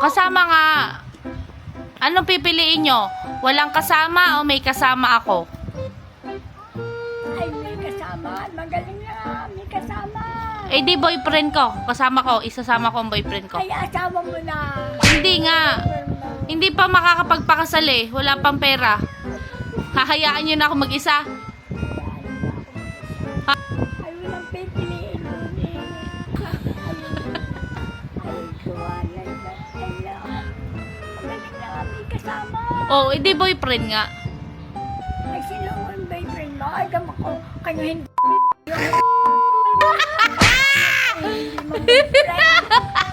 kasama nga. Anong pipiliin nyo? Walang kasama o may kasama ako? Ay, may kasama. Magaling na. May kasama. Eh di boyfriend ko. Kasama ko. Isasama ko ang boyfriend ko. Ay, asawa mo na. Hindi nga. Hindi pa makakapagpakasal eh. Wala pang pera. Hahayaan nyo na ako mag-isa. Ay, walang pipiliin doon eh. Ay, kuwanay na. Magaling na. May kasama. Oh, eh di boyfriend nga. Ay, sino ang boyfriend mo? Ay, gama ko. Kanya hindi. Hindi mo boyfriend.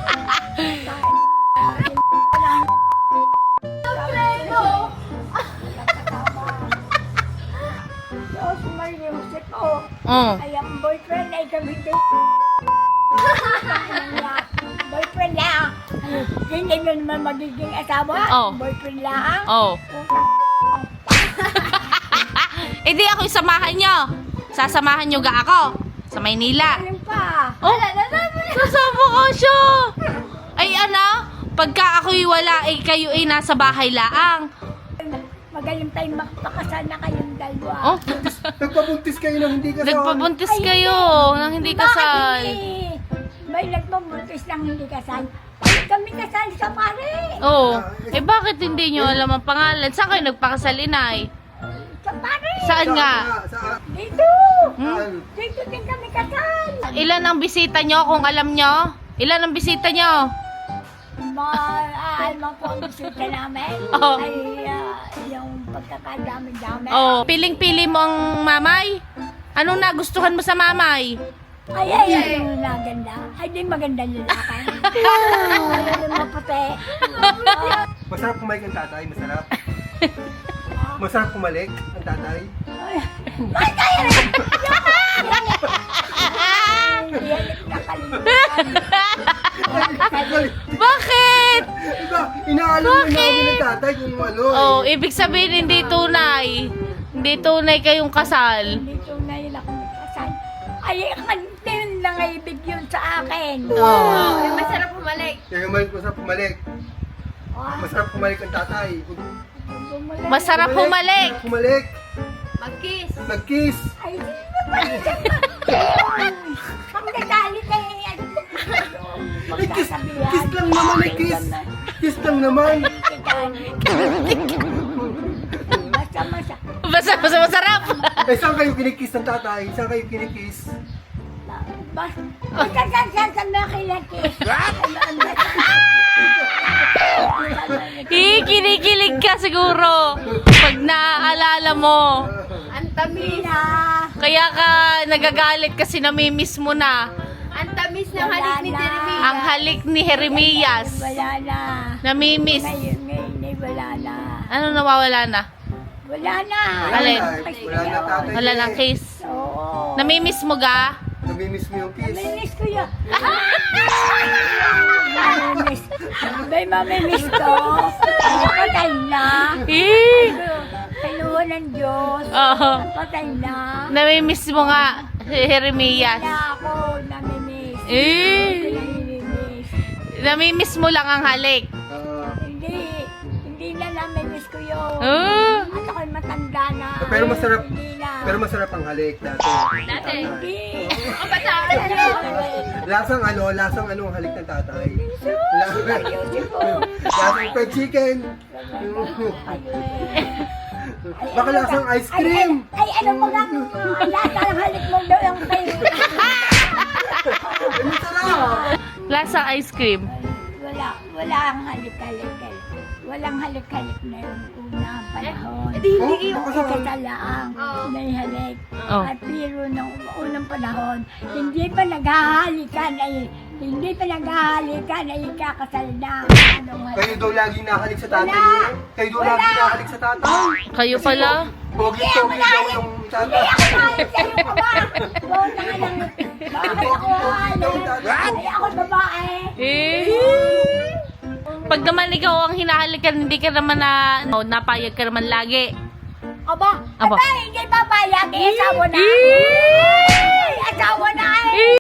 Diyos, mariusip ko. Oh. Ay, ang boyfriend ay gamitin. Boyfriend lang. Hindi mo naman magiging asawa. Oh. Boyfriend lang. Oh. Eh di ako isamahan nyo. Sasamahan nyo ga ako. Sa Maynila. Alam pa. Oh, kasama ko siya. Ay ano, pagka ako'y wala, eh kayo ay nasa bahay laang. Magaling tayong magpakasal na kayong dalawa. Oh, Nagpabuntis kayo nang hindi kasal. nagpabuntis kayo nang hindi kasal. Bakit hindi? May nagpabuntis lang hindi kasal. Ay, kami kasal sa pare. Oh, eh bakit hindi nyo alam ang pangalan? Saan kayo nagpakasal, inay? Sa pare. Saan nga? Saan? Dito. Saan? Dito din kami kasal. Ilan ang bisita nyo kung alam nyo? Ilan ang bisita nyo? Maalman po ang bisita namin. Oo. Ay, yung pagkakadami-dami. Oh, piling-pili mo ang mamay? Anong nagustuhan mo sa mamay? Ay, yung maganda. Ay, di maganda lalaki. Ay, yung maputi. Masarap kumalik ang tatay, masarap. Masarap kumalik ang tatay. Ay, kaya rin! Yan, nakalimutan. Bakit? Iba, inaalam mo namin ng tatay kung ano. Oh, ibig sabihin hindi tunay. Hindi tunay kayong kasal. Hindi tunay lang kami kasal. Ay, kantin lang ay ibig yun sa akin. Oh. Ay, masarap bumalik. Kaya masarap kumalik. Masarap kumalik ang tatay. Masarap humalik. Kumalik. Mag-kiss. Mag-kiss. Ay, sino ba yun? Ang nagalit ay Kiss lang naman eh, kiss. Kiss lang naman. Masa-masa. Basta masarap. Eh, saan kayo kinikiss ng tatay? Saan kayo kinikiss? Basta saan na kinakis. Kinikilig ka siguro. Pag naaalala mo. Ang tamis na. Kaya ka nagagalit kasi namimiss mo na. Ang tamis ng halik ni Jeremy. Ang halik ni Jeremias. Wala na. Namimiss. Ngayon ay wala na. Ano nawawala na? Wala na. Alin? Wala na tatay. Wala nang kiss. Oo. Namimiss mo ga? Namimiss mo yung kiss. Mamimiss ko yun. Mamimiss. May mamimiss ko. Patay na. Eh. Kaluwa ng Diyos. Oo. Patay na. Namimiss mo nga si Jeremias. Wala ako namimiss. Eh. Namimiss. Namimiss mo lang ang halik. Hindi na namimiss ko yun. Oh. At ako'y matanda na. Pero masarap. Hindi na. Pero masarap ang halik dati. Hindi. Lasang ano ang halik ng tatay. Ayusin ko. Lasang fried chicken. Baka lasang ice cream. Ay, ano mo nga? Lasa ng halik mo daw yung kayo. Ano sarap? Lasa ice cream. Wala ang halik-halik. Walang halik-halik na yung unang panahon. Hindi Yung ikatalaang may halik. Oh. At pero nung unang panahon, hindi pa naghahalikan ay kakasal na. Anong halik? Kayo daw laging nakahalik sa tatay. Wala. Kayo daw laging nakahalik sa tatay. Kayo pala? Pogi-pogi daw yung Hindi tatay. ako halik sa'yo ka ba? Doon na nga lang. Bakit ako halik? Ay, ako babae. Eh. Pag naman ikaw ang hinahalikan, hindi ka naman napayag ka naman lagi. Aba, Aba. hindi papayag. Asawa na. Eh. Ay, asawa na eh.